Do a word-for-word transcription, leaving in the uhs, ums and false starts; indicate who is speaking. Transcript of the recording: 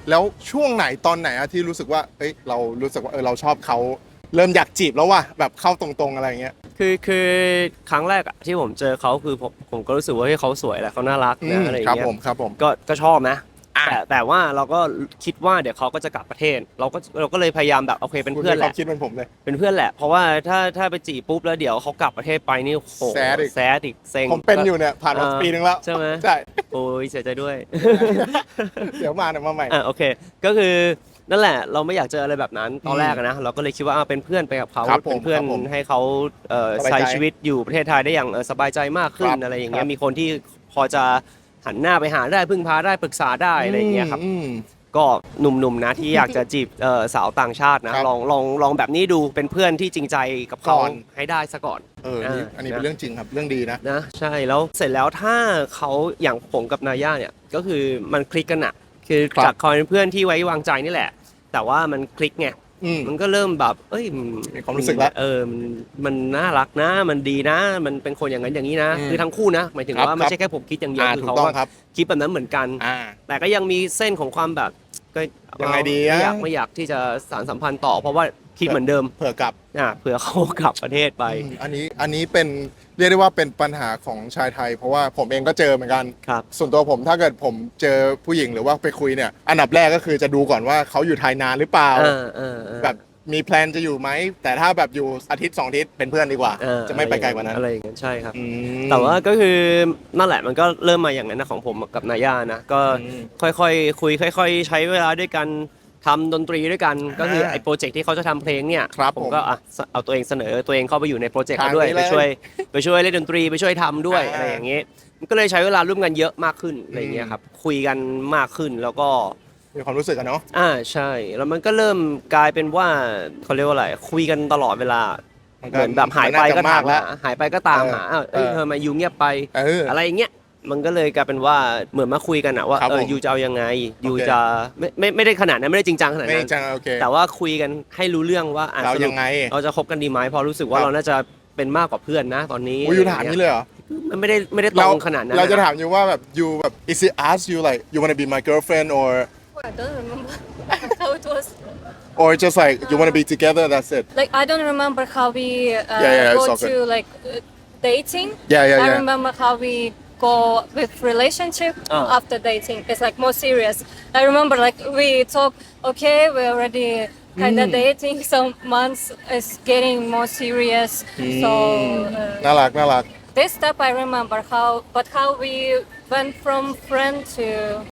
Speaker 1: แล้วช่วงไหนตอนไหนอะที่รู้สึกว่าเอ้ยเรารู้สึกว่าเออเราชอบเขาเริ่มอยากจีบแล้วว่ะแบบเข้าตรงๆอะไรเงี้ย
Speaker 2: คือคือครั้งแรกอะที่ผมเจอเขาคือผมผมก็รู้สึกว่าเฮ้ยเขาสวยแหละเขาน่ารัก
Speaker 1: อื
Speaker 2: นะ
Speaker 1: ม
Speaker 2: อะไรอ
Speaker 1: ครั
Speaker 2: ย่า
Speaker 1: บ
Speaker 2: งเงี้ย
Speaker 1: ผมครับผม
Speaker 2: ก็ก็ชอบนะ
Speaker 1: อ่ะ
Speaker 2: แต่แต่ว่าเราก็คิดว่าเดี๋ยวเขาก็จะกลับประเทศ เราก็เราก็เลยพยายามแบบโอเคเป็น
Speaker 1: คุณ
Speaker 2: เพื่อน
Speaker 1: มี
Speaker 2: แห
Speaker 1: ความ
Speaker 2: ละ
Speaker 1: คิดเหมือนผมเลย
Speaker 2: เป็นเพื่อนแหละเพราะว่าถ้าถ้าไปจีบปุ๊บแล้วเดี๋ยวเขากลับประเทศไปนี่โห
Speaker 1: แซดอีก
Speaker 2: แซดอีกเซ็ง
Speaker 1: ผมเป็นอยู่เนี่ยผ่านมา
Speaker 2: เออ
Speaker 1: ปีนึงแล้ว
Speaker 2: ใช่ไหม
Speaker 1: ใช่
Speaker 2: โอ้ยเสียใจด้วย
Speaker 1: เดี๋ยวมาเดี๋ยวมาใหม่
Speaker 2: อ่ะโอเคก็คือนั่นแหละเราไม่อยากเจออะไรแบบนั้นตอนแรกอะนะเราก็เลยคิดว่าอ่ะเป็นเพื่อนไปกับเขา
Speaker 1: ครับผม
Speaker 2: เป็นเพื่อน
Speaker 1: ครับผม
Speaker 2: ให้เขาเอ่อ
Speaker 1: สบายใจ
Speaker 2: ใช้ชีวิตอยู่ประเทศไทยได้อย่างเอ่อสบายใจมากขึ้น
Speaker 1: ครับ
Speaker 2: อะไรอย่าง
Speaker 1: ครั
Speaker 2: เงี้ย
Speaker 1: บ
Speaker 2: มีคนที่พอจะหันหน้าไปหาได้พึ่งพาได้ปรึกษาได้อะไรอย่างเงี้ยครับ
Speaker 1: อืม
Speaker 2: ก็หนุ่มๆนะที่อยากจะจีบเอ่อสาวต่างชาตินะครับ ลองลองลองแบบนี้ดูเป็นเพื่อนที่จริงใจกับเขา
Speaker 1: ก่อน
Speaker 2: ให้ได้ซะก่อน
Speaker 1: เออนี่อันนี้เป็นเรื่องจริงครับเรื่องดีนะ
Speaker 2: นะใช่แล้วเสร็จแล้วถ้าเขาอย่างผมกับนาย่าเนี่ยก็คือมันคลิกกันอะคือ
Speaker 1: ครับ
Speaker 2: จากคอยเป็นเพื่อนที่ไว้วางใจนี่แหละ แต่ว่ามันคลิกไง
Speaker 1: อืม
Speaker 2: มันก็เริ่มแบบเอ้ย
Speaker 1: มีความรู้สึกแล้ว
Speaker 2: เออมันมันน่ารักนะ มันดีนะ มันเป็นคนอย่างนั้นอย่างนี้นะ
Speaker 1: อืม
Speaker 2: คือทั้งคู่นะหมายถึง
Speaker 1: ครับ
Speaker 2: ว่าไม่ใช่แค่ผมคิดอย่างเดียว
Speaker 1: อ่า
Speaker 2: คือ
Speaker 1: ถูก
Speaker 2: เขา
Speaker 1: ต้อง
Speaker 2: ก็
Speaker 1: ครับ
Speaker 2: คิดแบบนั้นเหมือนกัน
Speaker 1: อ่า
Speaker 2: แต่ก็ยังมีเส้นของความแบบก็
Speaker 1: ยังไงดี
Speaker 2: ไม่อยาก
Speaker 1: อะ
Speaker 2: ไม่อยากที่จะสานสัมพันธ์ต่อ เพราะว่าคิดเหมือนเดิม
Speaker 1: เผื่อกลับ
Speaker 2: อ่าเผื่อเขากลับประเทศไป
Speaker 1: อืมอันนี้อันนี้เป็นเรียกได้ว่าเป็นปัญหาของชายไทย เพราะว่าผมเองก็เจอเหมือนกัน
Speaker 2: ครับ
Speaker 1: ส่วนตัวผมถ้าเกิดผมเจอผู้หญิงหรือว่าไปคุยเนี่ย อันดับแรกก็คือจะดูก่อนว่าเขาอยู่ไทยนานหรือเปล่า
Speaker 2: เออเออเออ
Speaker 1: แบบมีแพลนจะอยู่ไหม แต่ถ้าแบบอยู่อาทิตย์สองอาทิตย์เป็นเพื่อนดีกว่า
Speaker 2: เออ
Speaker 1: จะไม่ไปไกลกว่านั้น
Speaker 2: อะไรอย่างเงี้ยใช่ครับ
Speaker 1: อืม
Speaker 2: แต่ว่าก็คือนั่นแหละมันก็เริ่มมาอย่างนั้นนะของผมกับนาย่านะก็
Speaker 1: อืม
Speaker 2: ค่อยๆคุยค่อย ๆ ใช้เวลาด้วยกันทำดนตรีด้วยกัน
Speaker 1: อ่า
Speaker 2: ก็คือไอ้โปรเจกต์ที่เขาจะทำเพลงเนี่ย
Speaker 1: ครับ
Speaker 2: ผม
Speaker 1: ผม
Speaker 2: ก็อ่ะเอาตัวเองเสนอตัวเองเข้าไปอยู่ในโปรเจกต์เขาด้วย
Speaker 1: ทางนี้
Speaker 2: ไป
Speaker 1: เลย
Speaker 2: ช่วยไปช่วยเล่นดนตรีไปช่วยทำด้วย
Speaker 1: อ่า
Speaker 2: อะไรอย่างเงี้ยมันก็เลยใช้เวลาร่วมกันเยอะมากขึ้นอะไรอย่างเงี้ยครับคุยกันมากขึ้นแล้วก็
Speaker 1: มีความรู้สึกอะเนาะ
Speaker 2: อ่าใช่ แล้วมันก็เริ่มกลายเป็นว่าเขาเรียกว่าอะไรคุยกันตลอดเวลา
Speaker 1: มัน
Speaker 2: เห
Speaker 1: ก็
Speaker 2: มือนแบบหายไปก็
Speaker 1: มันน่าจะาก
Speaker 2: ถามม
Speaker 1: แล้ว
Speaker 2: หาหายไปก็ตามหา
Speaker 1: เออ
Speaker 2: อ้าวเอ้ย
Speaker 1: เออ
Speaker 2: เธอมายูเงียบไป
Speaker 1: เอออ
Speaker 2: อะไรอย่างเงี้ยมันก็เลยกลายเป็นว่าเหมือนมาคุยกันอะว่า
Speaker 1: ครับ
Speaker 2: เออ
Speaker 1: ผม
Speaker 2: ยูจะเอายังไงยู
Speaker 1: โอเค
Speaker 2: จะไม่ไม่ไม่ได้ขนาดนั้นไม่ได้จริงจังขนาด
Speaker 1: ไม่
Speaker 2: นั้น
Speaker 1: จังโอเค
Speaker 2: แต่ว่าคุยกันให้รู้เรื่องว่าอ่ะ
Speaker 1: เรา
Speaker 2: สรุป
Speaker 1: ยังไง
Speaker 2: เราจะคบกันดีไหมเพอรู้สึกว่า
Speaker 1: ครับ
Speaker 2: เราน่าจะเป็นมากกว่าเพื่อนนะตอนนี้
Speaker 1: อุ้ยอยู่ถามนี่เลยเหรอ
Speaker 2: มันไม่ได้ไม่ได้ตร
Speaker 1: เรา
Speaker 2: งขนาดนั้น
Speaker 1: เราจะ
Speaker 2: น
Speaker 1: ถามอยู่ว่าแบบ you แบบ is it ask you like you wanna be my girlfriend or
Speaker 3: I don't remember how it was.
Speaker 1: or just like you wanna be together that's it
Speaker 3: Like I don't remember how we uh,
Speaker 1: Yeah, yeah,
Speaker 3: go
Speaker 1: it's all
Speaker 3: to
Speaker 1: good.
Speaker 3: like uh, dating.
Speaker 1: Yeah, yeah,
Speaker 3: I
Speaker 1: yeah.
Speaker 3: remember how we go with relationship
Speaker 2: Oh.
Speaker 3: after dating. It's like more serious. I remember like we talk. Okay, we're already kind of dating. Some months is getting more serious. So. Uh,
Speaker 1: น่ารักน่ารัก
Speaker 3: this step I remember how, but how we went from friend to